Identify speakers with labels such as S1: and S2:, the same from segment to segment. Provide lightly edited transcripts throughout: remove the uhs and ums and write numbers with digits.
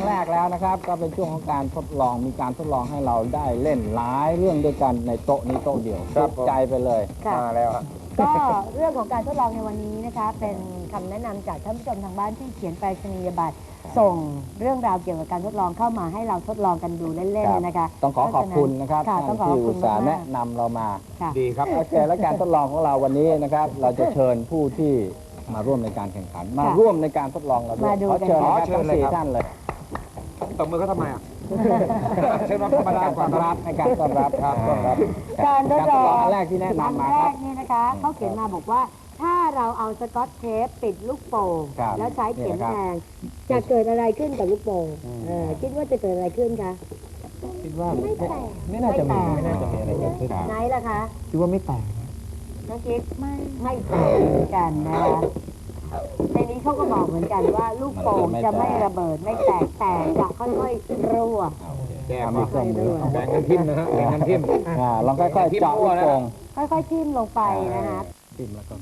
S1: แรกแล้วนะครับก็เป็นช่วงของการทดลองมีการทดลองให้เราได้เล่นหลายเรื่องด้วยกันในโต๊ะนี้โต๊ะเดียวสุดใจไปเลยมาแล้ว
S2: ก็เรื่องของการทดลองในวันนี้นะคะเป็นคำแนะนำจากท่านผู้ชมทางบ้านที่เขียนไปรษณียบัตรส่งเรื่องราวเกี่ยวกับการทดลองเข้ามาให้เราทดลองกันดูเล่นๆนะคะ
S1: ต้องขอบคุณนะครับที่อุตส่าห์แนะนำเรามาดีครับโอเคและการทดลองของเราวันนี้นะครับเราจะเชิญผู้ที่มาร่วมในการแข่งขันมาร่วมในการทดลองเราด้วยขอเชิญทั้ง4ท่านเลย
S3: ตบมือเขาทำไมอ่ะเชิญมาธรรมดาก่อน
S1: รับในการต้อนรับครับ
S2: การทดลอง
S1: แรกที่แนะนำมา
S2: แรกนี่นะคะเขาเขียนมาบอกว่าถ้าเราเอาสกอตเทปปิดลูกโป่งแล้วใช้เข็มแทงจะเกิดอะไรขึ้นกับลูกโป่งคิดว่าจะเกิดอะไรขึ้นคะ
S1: คิดว่าไม่น่าจะมีอะไรเกิดขึ้น
S2: ไหนล่ะคะ
S1: คิดว่าไม่แตก
S2: น้องกิ๊กไม่แตกเหมือนกันนะคะในนี้เขาก็บอกเหมือนกันว่าลูกโป่งจะไม่ระเบิดไม่แตกแต่จะค่อยๆรั่ว
S1: แกมีเครื่องมือ
S3: แบ่งกันทิ่มนะฮะแบ่งกันทิ่ม
S1: ลองค่อยๆเจาะลูกโป่ง
S2: ค่อยๆทิ่มลงไปนะคะ
S1: ทิ่มแล้วก็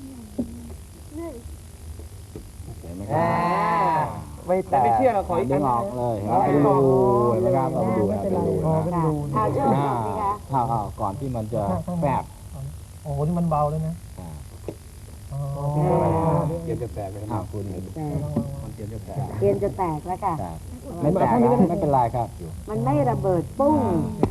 S1: เห็นไหมค
S3: รับไม่แตกไม่เชื่อเราขออีก
S1: ดึงออกเลยเป็นรูเห็นไหมครับเราดูเป็นรูก่อนที่มันจะแฝบ
S4: โอ้โหนี่มันเบาเลยนะ
S3: เตรียมจะแตกเลยครับคุณ
S2: มันเตรียมจะแตกแล้วค่ะ
S1: ไม่แตกไม่เป็นไรครับ
S2: มันไม่ระเบิดปุ้ง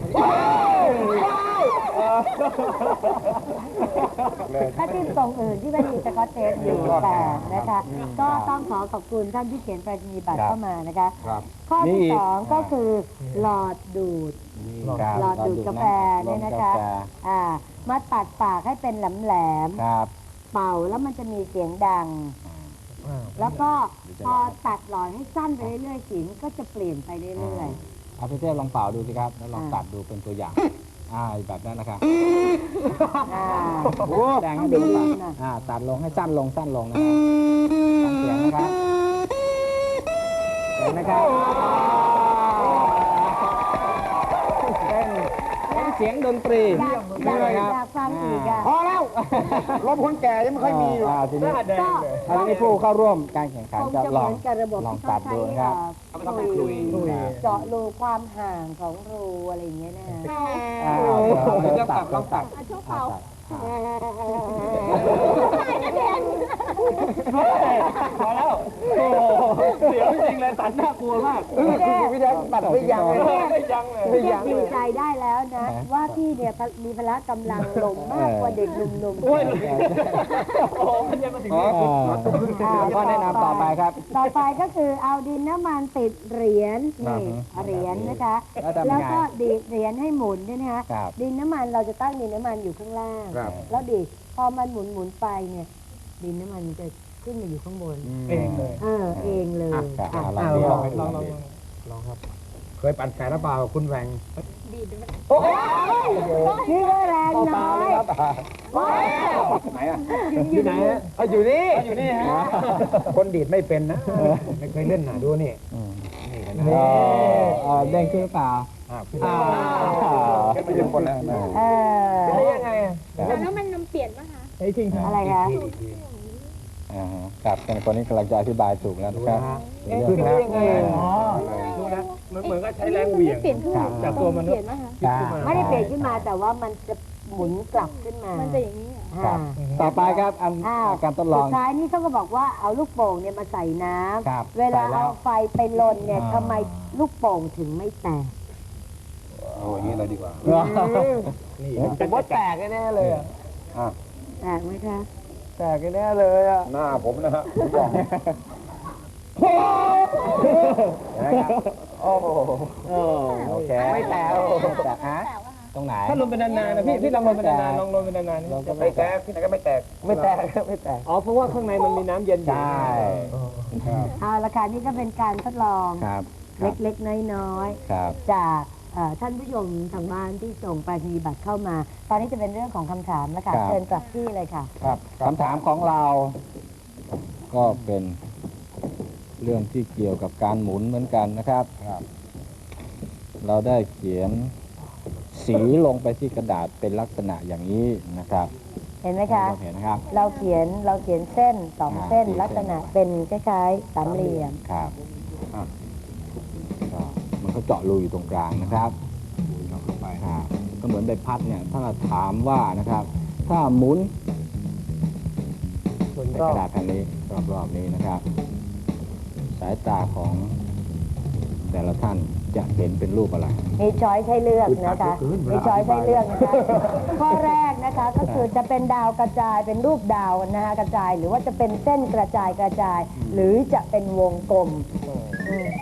S2: ถ้าทิ่มตรงอื่นที่ไม่มีสกอตเทปอยู่แต่นะคะก็ต้องขอบคุณท่านที่เขียนไปรษณียบัตรเข้ามานะคะข้อที่2ก็คือหลอดดูดกาแฟเนี่ยนะคะมาตัดปากให้เป็นแหลมเป่าแล้วมันจะมีเสียงดังแล้วก็พอตัดหลอดให้สั้นไปเรื่อยๆเสียงก็จะเปลี่ยนไปเรื่อย
S1: ๆเอาพี่เต้ลองเป่าดูสิครับแล้วลองตัดดูเป็นตัวอย่างแบบนั้นนะครับแดงให้ดูตัดลงให้สั้นลงนะครับฟังเสียงนะครับเห็นไหมครับเสียงดนตรี
S2: อยากฟังอีก
S3: พอแล้วรถคนแก่ยังไม่ค่อยมีอยู่
S1: ทีนี้ผู้เข้าร่วมการแข่งขันจะลองตัดดูครับ
S2: เจาะรูความห่างของรูอะไรอย่างเงี้ยนะ
S3: ตัดโชว์เข่าพอแล้วโอ้เสียวจริงเลยตัดน่ากลัวมาก
S1: พี่แดงตัดไม่ยั้งเลย
S2: ดีใจได้แล้วนะว่าพี่เนี่ยมีพละกำลังลงมากกว่าเด็กหนุ่มๆ
S3: โอ้ยมันยังมาถึงนี่
S1: ก็แนะนำต่อไปครับ
S2: ต่อไปก็คือเอาดินน้ำมันติดเหรียญนะคะแล้วก็ดีดเหรียญให้หมุนด้วยนะคะดินน้ำมันเราจะตั้งดินน้ำมันอยู่ข้างล่างแล้วดีดพอมันหมุนไปเนี่ยดินน้ำมันจะขึ้นมาอยู่ข้างบน
S3: เองเลย
S2: เองเลย
S3: ลองครับเคยปั่นแขนหรือเปล่าคุณแหวง
S2: โอ้นี่ก็แรงน้อย
S3: ไหนอ่ะอยู่ไหนฮะอยู่นี่ฮะคนดีดไม่เป็นนะไม่เคยเล่นหนาดูนี่
S1: เด้งขึ้นเปล่า
S3: ไม่ถึงคนแล้ว
S2: ได้
S3: ยังไง
S5: แล้วมันนำเปลี่ยนป่ะคะ
S2: จริงอะไรคะ
S1: ครับคนนี้กำลังจะอธิบายถูกแล้วนะครับ
S3: ขึ้นได้ยังไงเหมือนก็ใช้แรงเหวี่ยงจากตัวมัน
S2: ไม่ได้เปลี่ยนขึ้นมาแต่ว่ามันจะหมุนกลับขึ้นมา
S5: มันจะอย่างนี้
S1: ต่อไปครับการทดลอง
S2: สุดท้ายนี่เขาก็บอกว่าเอาลูกโป่งเนี่ยมาใส่น้ำเวลาเอาไฟไปลนเนี่ยทำไมลูกโป่งถึงไม่แตก
S3: โอ้ยนี่เลยดีกว่า
S1: นี่ผมว่าแตกแน่เลย
S2: แตกไหมคะ
S1: แตกแน่เลย
S3: หน้าผมนะฮะ
S1: โอเคไม่แตกตรงไหน
S3: ถ้าลงเป็นนานๆนะพี่ลองลงเป็นนานๆลองลงเป็นนานๆไม่แตกที่ไหนก็ไม่แตกอ๋อเพราะว่าข้างในมันมีน้ำเย็นอยู่
S1: ใช่
S2: ราคานี้ก็เป็นการทดลองเล็กๆน้อยๆจากท่านผู้ชมทางบ้านที่ส่งไปรษณียบัตรเข้ามาตอนนี้จะเป็นเรื่องของคำถามนะคะเชิญกลับที่เลยค่ะ
S1: ครับคำถามของเราก็เป็นเรื่องที่เกี่ยวกับการหมุนเหมือนกันนะครับเราได้เขียนสีลงไปที่กระดาษเป็นลักษณะอย่างนี้นะครับ
S2: เห็นไหมคะเห็นครับเราเขียนเส้น2 เส้นลักษณะเป็นคล้ายๆสามเหลี่ยม
S1: ครับเขาเจาะรูอยู่ตรงกลางนะครับก็เหมือนใบพัดเนี่ยถ้าเราถามว่านะครับ ถ้าหมุน
S4: ส่วน
S1: ใน
S4: รอก บ
S1: ระดาษแผ่นนี้รอบๆนี้นะครับ สายตาของแต่ละท่านจะเห็นเป็นรูปอะไร
S2: มีช้อยให้เลือกนะคะมีช้อยให้เลือกนะคะข้อแรกนะคะก็คือจะเป็นดาวกระจายเป็นรูปดาวนะคะกระจายหรือว่าจะเป็นเส้นกระจาย หรือจะเป็นวงกลมอืม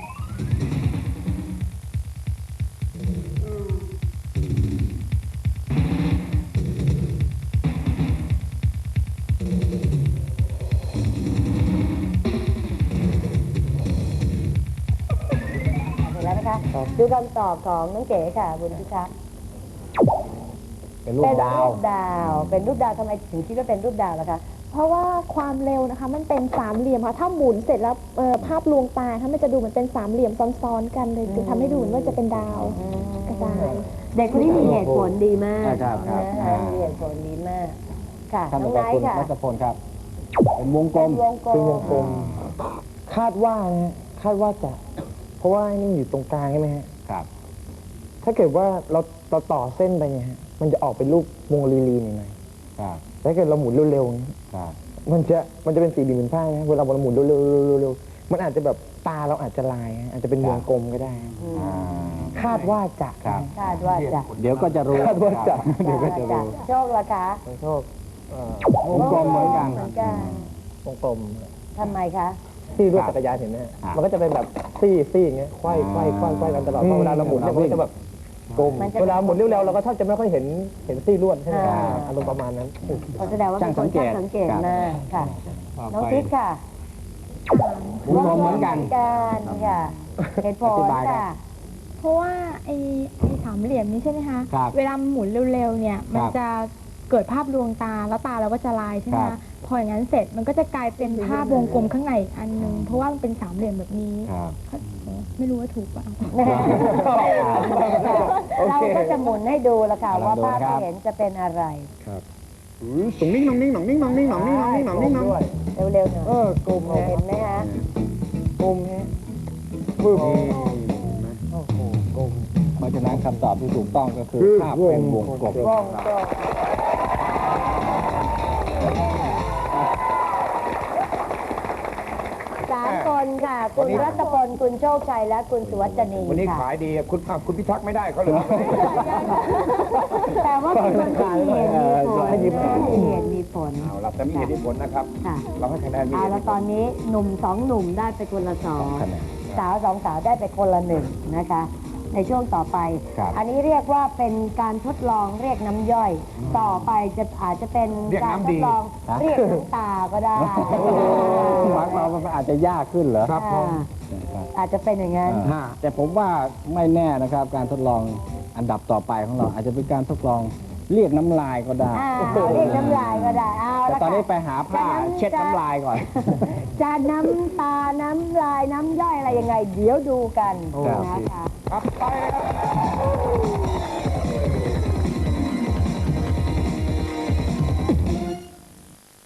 S2: เห็นแล้วนะคะดูคำตอบของน้องเก๋ค่ะคุณพิทักษ์
S3: เป็นรูปดาว
S2: เป็นรูปดาวทำไมถึงคิดว่าเป็นรูปดาวล่ะคะ
S5: เพราะว่าความเร็วนะคะมันเป็นสามเหลี่ยมค่ะถ้าหมุนเสร็จแล้วภาพลวงตาถ้ามันจะดูเหมือนเป็นสามเหลี่ยมซ้อนๆกันเลยจะทำให้ดูเหมือนว่าจะเป็นดาวกระจาย
S2: เด็กคนนี้มีเหตุผลดีมาก
S1: ครับครับ
S2: นะคะมีเหตุผลดีมาก ค่ะ
S1: ท่าน
S2: น้
S1: ต่
S2: อ
S1: อง ไป
S2: ไน
S1: คุณ
S2: ท์ค่ะ
S1: รัชพลครับ เป็นวงกลม
S2: เป็นวงกลม
S4: คาดว่านะคาดว่าจะ เพราะว่าไอ้นี่อยู่ตรงกลางใช่ไหมฮะ
S1: ครับ
S4: ถ้าเกิดว่าเราต่อเส้นไปเนี่ยฮะมันจะออกเป็นรูปวงรีๆหน่อย
S1: ครับ
S4: ๆแต่ถ้าเกิดเราหมุนเร็วๆเนี่ย
S1: ครับ
S4: มันจะเป็นสี่เหลี่ยมผืนผ้านะเวลาเราหมุนเร็วๆๆๆมันอาจจะแบบตาเราอาจจะลายฮะอาจจะเป็นวงกลมก็ได้ฮะ
S1: อ่า
S4: คาดว่าจะ
S1: ครับ
S2: คาดว่าจะ
S1: เดี๋ยวก็จะรู้
S4: คาดว่าจะ
S1: เดี๋ยวก็จะรู้
S2: โชคละคะ
S4: ขอโทษ
S1: วงกลมเหมือนกัน
S2: เหมือนกัน
S4: วงกลม
S2: ทำไมคะ
S4: ซี่รถจักรยานเห็นไหมฮะ
S1: ครับ
S4: มันก็จะเป็นแบบซี่อย่างเงี้ยควายกันตลอดเพราะเวลาเราหมุนเนี่ยมันก็จะแบบกลม
S2: มันจะ
S4: เวลาหมุนเร็วๆเราก็แทบจะไม่ค่อยเห็นซี่ลวดใช่ไหม
S2: อ่า
S4: อารมณ์ประมาณนั้น
S2: แสดงว่าเป็นคนช่างสังเกตมากค่ะ น้องทิพย์ค่ะ
S1: วงกลมเหมือนกัน
S2: ค่ะเหตุผล
S1: อธิบายครับ
S2: ค่ะ
S5: เพราะว่าไอ้สามเหลี่ยมนี้ใช่ไหมคะ
S1: ครับ
S5: เวลาหมุนเร็วๆเนี่ยมัน
S1: ครับ
S5: จะเกิดภาพลวงตาแล้วตาเราก็จะลายใช่ไหม
S1: ครั
S5: คะ
S1: บ
S5: พออย่างนั้นเสร็จมันก็จะกลายเป็นภาพวงกลมข้างในอีกอันหนึงเพราะว่ามันเป็นสามเหลี่ยมแบบนี้
S1: ครับ
S5: ไม่รู้ว่าถูกเปล่า
S2: เราก็จะหมุนให้ดูละค่ะ
S1: ลอง
S2: ว่า
S1: ดู
S2: ภาพ
S1: นะครับ
S2: ที่เห็นจะเป็นอะไร
S3: ตรงนิ่งหนองนิ่งหนองนิ่งหนองนิ่งหนองนิ่งหนองนิ่งหนองนิ่งหนอง
S2: เร็วๆหน่อย
S4: กลม
S2: เห็นไหมคะ
S4: กลมฮะปึ๊บ
S3: นี่
S4: โอ้โหกลม
S1: เพราะฉะนั้นคำตอบที่ถูกต้องก็คือ
S3: คือ
S1: ภาพเป็นวงกลม
S2: วงกลม3 คนค่ะ คุณรัตพลคุณโชคชัยและคุณสุวัจนี
S3: วันนี้
S2: ค่ะ
S3: ขายดีคุณพิทักษ์ไม่ได้เขาเลย
S2: แต่ว่าเป็นคนที่มีเหตุมีผลมีเหตุมีผล
S3: เอาล่ะแต่มีเหตุผลนะครับ
S2: ค่ะ
S3: เราให้คะแนนมี
S2: เอา
S3: เหตุ
S2: แล้วตอนนี้หนุ่ม2 หนุ่มได้ไปคนละ2
S1: คะแนน
S2: สาว2 สาวได้ไปคนละ1นะคะ ในช่วงต่อไป
S1: ครับ
S2: อันนี้เรียกว่าเป็นการทดลองเรียกน้ำย่อย ต่อไปอาจจะเป็นการทดลองเรียกน้ำตาก็ได้
S1: หมายความว่ามันอาจจะยากขึ้นเหรอ
S3: ครับผม
S2: อาจจะเป็นอย่างนั้น
S1: แต่ผมว่าไม่แน่นะครับ การทดลองอันดับต่อไปของเราอาจจะเป็นการทดลองเรียกน้ำลายก็ได้
S2: เรียกน้ำลายก็ได้เอา
S1: แต่
S2: ละ
S1: ตอนนี้
S2: ค่ะ
S1: ไปหาผ้าเช็ดน้ำลายก่อน
S2: จะน้ำตา น้ำลาย น้ำย่อยอะไรยังไง เดี๋ยวดูกันนะคะ
S3: ครับไปเลยครับ